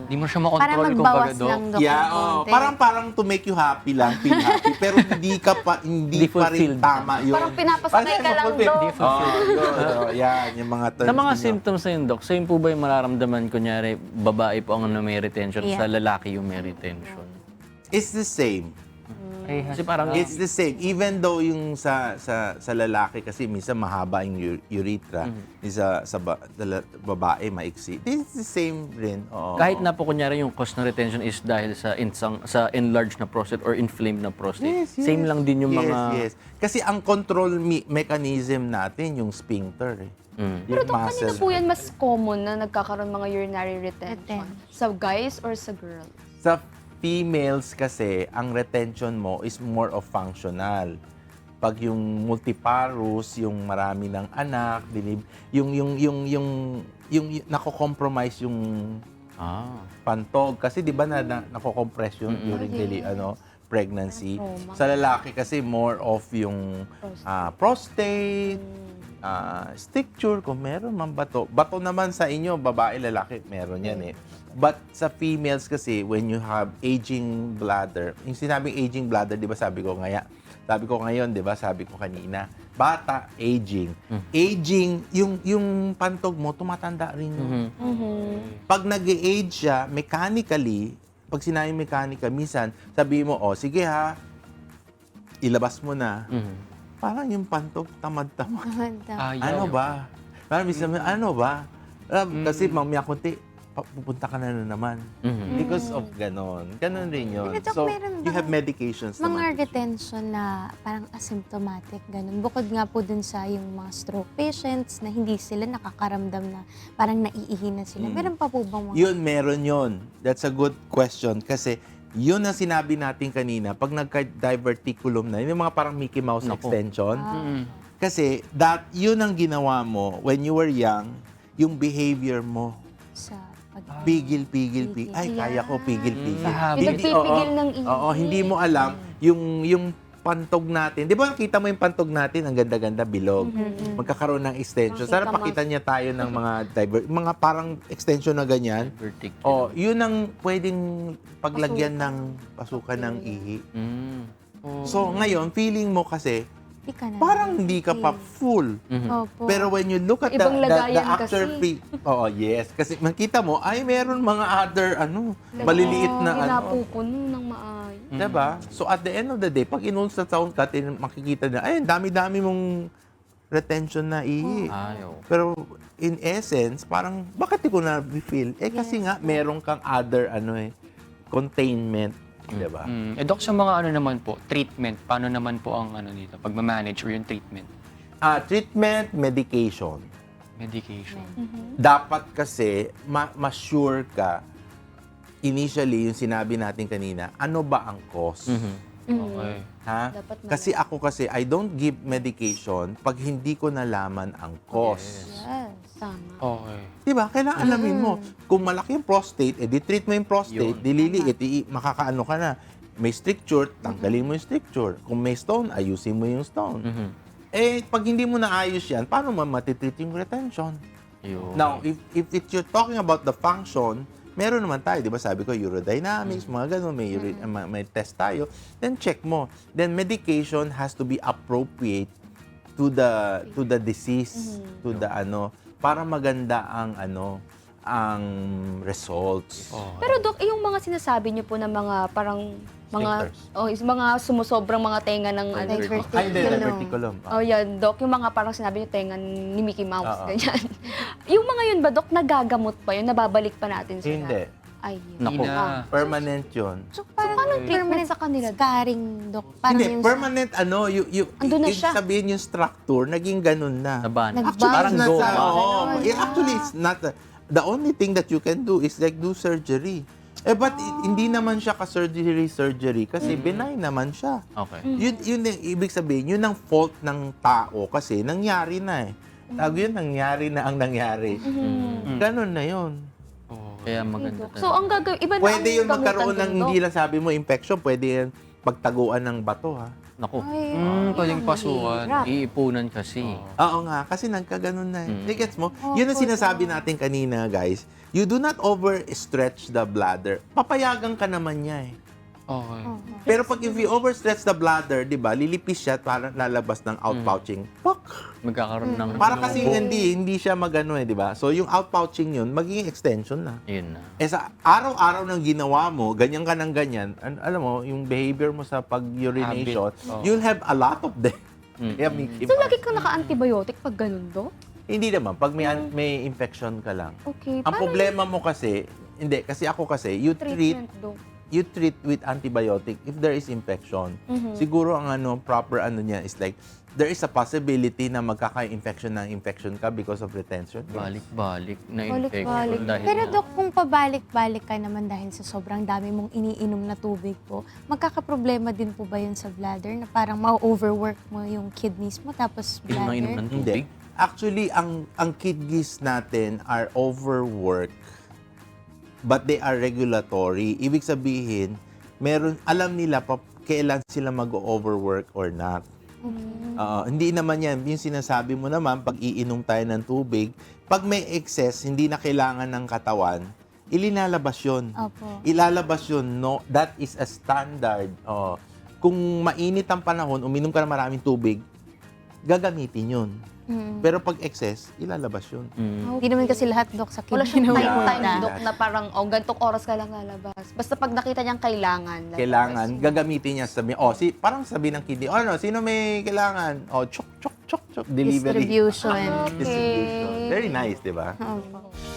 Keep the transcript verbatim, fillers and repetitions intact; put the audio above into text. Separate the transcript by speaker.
Speaker 1: Hindi mo siya
Speaker 2: Para
Speaker 1: makontrol kung
Speaker 2: magbawas
Speaker 1: baga, Dok.
Speaker 2: lang, Dok.
Speaker 3: Yeah,
Speaker 2: ng
Speaker 3: oh,
Speaker 2: konti.
Speaker 3: parang parang to make you happy lang, feel happy, pero hindi ka pa hindi,
Speaker 1: Hindi
Speaker 3: pa rin
Speaker 1: fulfilled.
Speaker 3: tama yun.
Speaker 4: Parang pinapasakay ka lang,
Speaker 3: fulfilled.
Speaker 4: Dok.
Speaker 3: Oh, yun, oh, yan, yung mga terms.
Speaker 1: Sa mga
Speaker 3: ninyo.
Speaker 1: symptoms na yun, Dok, same po ba yung mararamdaman, kunyari, babae po ang ano, may retention,
Speaker 2: Yeah.
Speaker 1: sa lalaki yung may retention?
Speaker 3: It's the same.
Speaker 1: Kasi parang,
Speaker 3: It's the same. Even though yung sa sa sa lalaki kasi minsan mahaba yung u- urethra, yung sa, sa ba- dala- babae maiksi. It's the same rin. Oo.
Speaker 1: kahit na po kunyari yung cause ng retention is dahil sa insang, sa enlarged na prostate or inflamed na prostate.
Speaker 3: Yes, yes.
Speaker 1: Same lang din yung
Speaker 3: yes,
Speaker 1: mga...
Speaker 3: Yes, Kasi ang control me- mechanism natin yung sphincter. Eh.
Speaker 1: Mm.
Speaker 4: Pero
Speaker 3: Yung
Speaker 4: Dok, kanina
Speaker 3: muscle.
Speaker 4: po yan mas common na nagkakaroon mga urinary retention?
Speaker 2: Retention.
Speaker 4: Sa guys or sa girls?
Speaker 3: Sa females kasi, ang retention mo is more of functional. Pag yung multiparous, yung marami ng anak, dinib, yung yung yung yung yung, yung nako-compromise yung
Speaker 1: Ah.
Speaker 3: pantog kasi 'di ba na, na nako-compress yun during deli, ano pregnancy.
Speaker 4: Trauma.
Speaker 3: Sa lalaki kasi more of yung ah, prostate, ah, stricture kung meron man bato. Bato naman sa inyo, babae, lalaki, meron yan eh. But sa females kasi, when you have aging bladder, yung sinabing aging bladder, di ba sabi ko ngaya, sabi ko ngayon, di ba sabi ko kanina, bata, aging. Aging, yung, yung pantog mo, tumatanda rin yun. Pag nag-age siya, mechanically, pag sinabing mechanical, minsan, sabi mo, oh, sige ha, ilabas mo na.
Speaker 1: Mhm.
Speaker 3: Parang yung pantog, tamad-tamad.
Speaker 1: Ayaw.
Speaker 3: Ano ba? Parang minsan, ano ba? Alam, Kasi mamaya kunti, pa- pupunta ka na, na naman.
Speaker 1: Mhm.
Speaker 3: Because of ganon. Ganon rin yun.
Speaker 2: Pero, Doc,
Speaker 3: So,
Speaker 2: meron
Speaker 3: you
Speaker 2: bang
Speaker 3: have medications
Speaker 2: Mga
Speaker 3: naman.
Speaker 2: retention na parang asymptomatic, ganun. Bukod nga po dun sa yung mga stroke patients na hindi sila nakakaramdam na parang naiihi na sila. Meron pa po bang mga...
Speaker 3: Yun, meron yun. That's a good question. Kasi yun ang sinabi natin kanina, pag nagka-diverticulum na, yun yung mga parang Mickey Mouse
Speaker 1: Naku.
Speaker 3: extension.
Speaker 1: Mhm.
Speaker 3: Kasi that, yun ang ginawa mo when you were young, yung behavior mo.
Speaker 2: sa pag...
Speaker 3: Pigil, pigil, pigil. Ay, kaya ko, pigil, pigil.
Speaker 1: Sa habit.
Speaker 4: Yung nagpipigil
Speaker 3: oo,
Speaker 4: ng ihi.
Speaker 3: Oo, hindi mo alam yung yung pantog natin. Di ba nakita mo yung pantog natin, ang ganda-ganda, bilog. Magkakaroon ng extension. Sana
Speaker 4: Nakita mo.
Speaker 3: pakita niya tayo ng mga diver, mga parang extension na ganyan.
Speaker 1: Vertical.
Speaker 3: Oh, yun ang pwedeng paglagyan ng pasukan ng ihi.
Speaker 1: Mm.
Speaker 3: So, ngayon, feeling mo kasi,
Speaker 2: Di ka na.
Speaker 3: parang hindi ka pa full.
Speaker 1: Mhm.
Speaker 2: Opo.
Speaker 3: Pero when you look at the,
Speaker 4: Ibang
Speaker 3: the, the
Speaker 4: lagayan
Speaker 3: after
Speaker 4: kasi.
Speaker 3: pre... Oo, yes. Kasi makita mo, ay meron mga other, ano, maliliit na,
Speaker 4: Hindi
Speaker 3: ano.
Speaker 4: napupuno ng maayos.
Speaker 3: Diba? So at the end of the day, pag in-ultrasound ka, tin- makikita na, ay, ang dami-dami mong retention na ihi.
Speaker 1: Ayaw.
Speaker 3: Pero in essence, parang, bakit di ko na-feel? Eh kasi nga, meron kang other, ano eh, containment. Diba?
Speaker 1: Mm. Eh, Dok, sa mga ano naman po, treatment, paano naman po ang ano dito, pag-manage or yung treatment?
Speaker 3: Ah, treatment, medication.
Speaker 1: Medication.
Speaker 3: Dapat kasi, ma- ma-sure ka, initially, yung sinabi natin kanina, ano ba ang cause?
Speaker 1: Mhm. Okay.
Speaker 3: Ha?
Speaker 4: Dapat malaman.
Speaker 3: Kasi ako kasi, I don't give medication pag hindi ko nalaman ang cause.
Speaker 2: Yes.
Speaker 4: Tama.
Speaker 1: Okay.
Speaker 3: Diba? Kailangan alamin mo. Kung malaki yung prostate, eh, di-treat mo yung prostate,
Speaker 1: Yun.
Speaker 3: dililiit, i- makakaano ka na. May stricture, tanggalin mo yung stricture. Kung may stone, ayusin mo yung stone.
Speaker 1: Mhm.
Speaker 3: Eh, pag hindi mo naayos yan, paano mo matitreat yung retention?
Speaker 1: Yun.
Speaker 3: Now, if, if it, you're talking about the function, meron naman tayo, di ba sabi ko, urodynamics, mga ganun, may, uri- uh, may, may test tayo, then check mo. Then medication has to be appropriate to the to the disease, to the ano, para maganda ang ano, ang results.
Speaker 1: Oh.
Speaker 4: Pero Dok, yung mga sinasabi niyo po na mga parang mga
Speaker 3: Sphincters.
Speaker 4: oh, is mga sumusobrang mga tenga ng ano.
Speaker 2: Diverticulum.
Speaker 3: Ay, hindi, diverticulum.
Speaker 4: Oh, yan, Dok, yung mga parang sinabi niyo tenga ni Mickey Mouse,
Speaker 3: Oo.
Speaker 4: ganyan. yung mga yun ba, Dok, nagagamot pa yun? Nababalik pa natin sila?
Speaker 3: Hindi.
Speaker 4: Ay, yun.
Speaker 1: Naku.
Speaker 4: Ah.
Speaker 3: Permanent yun.
Speaker 2: So, parang
Speaker 4: paano treatment
Speaker 2: permanent
Speaker 4: sa kanila?
Speaker 2: Scarring, Dok. Parang
Speaker 3: Hindi,
Speaker 2: yung
Speaker 3: permanent ano, yung, yung,
Speaker 4: Andun na
Speaker 3: ibig
Speaker 4: siya.
Speaker 3: sabihin yung structure, naging ganun na.
Speaker 1: Naban.
Speaker 2: Nag-
Speaker 3: Actually,
Speaker 1: Parang
Speaker 3: it's not
Speaker 1: go.
Speaker 3: sa,
Speaker 1: Ah.
Speaker 3: oo.
Speaker 2: Ganun.
Speaker 3: Yeah, actually, it's not. a- the only thing that you can do is like do surgery. Eh, but i- hindi naman siya ka-surgery-surgery kasi benign naman siya.
Speaker 1: Okay.
Speaker 3: Yun, yun yung ibig sabihin, yun ang fault ng tao kasi nangyari na eh. Tawag yun, nangyari na ang nangyari. Ganon na yun.
Speaker 1: Oh, kaya maganda.
Speaker 4: So, ang gagawin, iba na
Speaker 3: Pwede
Speaker 4: ang
Speaker 3: yun magkaroon
Speaker 4: gamutan
Speaker 3: ng,
Speaker 4: dun, Dok.
Speaker 3: hindi lang sabi mo, infection, pwede yan pagtaguan ng bato ha.
Speaker 1: Naku,
Speaker 2: Ay,
Speaker 5: Mm,
Speaker 2: ang
Speaker 5: pwedeng pasukan.
Speaker 2: hirap.
Speaker 1: iipunan kasi.
Speaker 3: Oo nga, kasi nagkaganon na.
Speaker 1: Mm.
Speaker 3: Mm. Gets mo?
Speaker 2: Opo,
Speaker 3: Yun ang sinasabi
Speaker 2: tama.
Speaker 3: natin kanina, guys. You do not overstretch the bladder. Papayagan ka naman niya eh.
Speaker 5: Okay.
Speaker 2: Oo.
Speaker 3: Pero pag if you overstretch the bladder, di ba, lilipis siya at parang lalabas ng outpouching. Pok!
Speaker 1: Magkakaroon ng...
Speaker 3: Para kasi hindi, hindi siya magano eh, di ba? So yung outpouching yun, magiging extension na.
Speaker 1: Yun na.
Speaker 3: Eh sa araw-araw ng ginawa mo, ganyan ka ng ganyan, an- alam mo, yung behavior mo sa pag-urination,
Speaker 5: Habit. Oh.
Speaker 3: you'll have a lot of them.
Speaker 1: Mm.
Speaker 3: Kaya Mickey
Speaker 4: So,
Speaker 3: Mouse.
Speaker 4: lagi kang naka-antibiotic pag ganun, Dok?
Speaker 3: Hindi naman, pag may, an- may infection ka lang.
Speaker 4: Okay.
Speaker 3: Ang
Speaker 4: paano
Speaker 3: problema mo kasi, hindi, kasi ako kasi, you
Speaker 4: yung
Speaker 3: treat
Speaker 4: treatment, Dok?
Speaker 3: you treat with antibiotic if there is infection.
Speaker 4: Mhm.
Speaker 3: Siguro ang ano proper ano niya is like there is a possibility na magkaka-infection ng infection ka because of retention.
Speaker 1: Balik-balik na infection.
Speaker 2: Balik-balik.
Speaker 1: Dahil
Speaker 2: Pero
Speaker 1: na-
Speaker 2: Dok, kung pabalik-balik ka naman dahil sa sobrang dami mong iniinom na tubig po, magkakaproblema din po ba yun sa bladder na parang ma-overwork mo yung kidneys mo tapos
Speaker 1: Inom na inom
Speaker 2: bladder?
Speaker 1: ng
Speaker 3: Hindi.
Speaker 1: tubig.
Speaker 3: Actually, ang ang kidneys natin are overworked but they are regulatory. Ibig sabihin, meron alam nila pa, kailan sila mag-overwork or not. Oo, hindi naman yan. Yung sinasabi mo naman, pag iinom tayo ng tubig, pag may excess, hindi na kailangan ng katawan, ilinalabas yun.
Speaker 2: Opo.
Speaker 3: Ilalabas yun. No, that is a standard. Oo. Kung mainit ang panahon, uminom ka ng maraming tubig, gagamitin yun.
Speaker 2: Mm.
Speaker 3: Pero pag excess, ilalabas yun.
Speaker 1: Mm.
Speaker 2: Hindi naman kasi lahat, Dok, sa
Speaker 4: Wala
Speaker 2: kidney
Speaker 4: siyang
Speaker 2: na
Speaker 4: time,
Speaker 2: pupunta.
Speaker 4: time, Dok, na parang, oh, gantong oras ka lang lalabas. Basta pag nakita niyang kailangan, lalabas
Speaker 3: Kailangan,
Speaker 4: yun.
Speaker 3: gagamitin niya sabi, oh, si, parang sabi ng kidney, oh, ano, sino may kailangan? Oh, chok, chok, chok, chok, delivery.
Speaker 2: Distribution.
Speaker 4: Okay.
Speaker 3: Distribution. Very nice, di ba?
Speaker 2: Opo.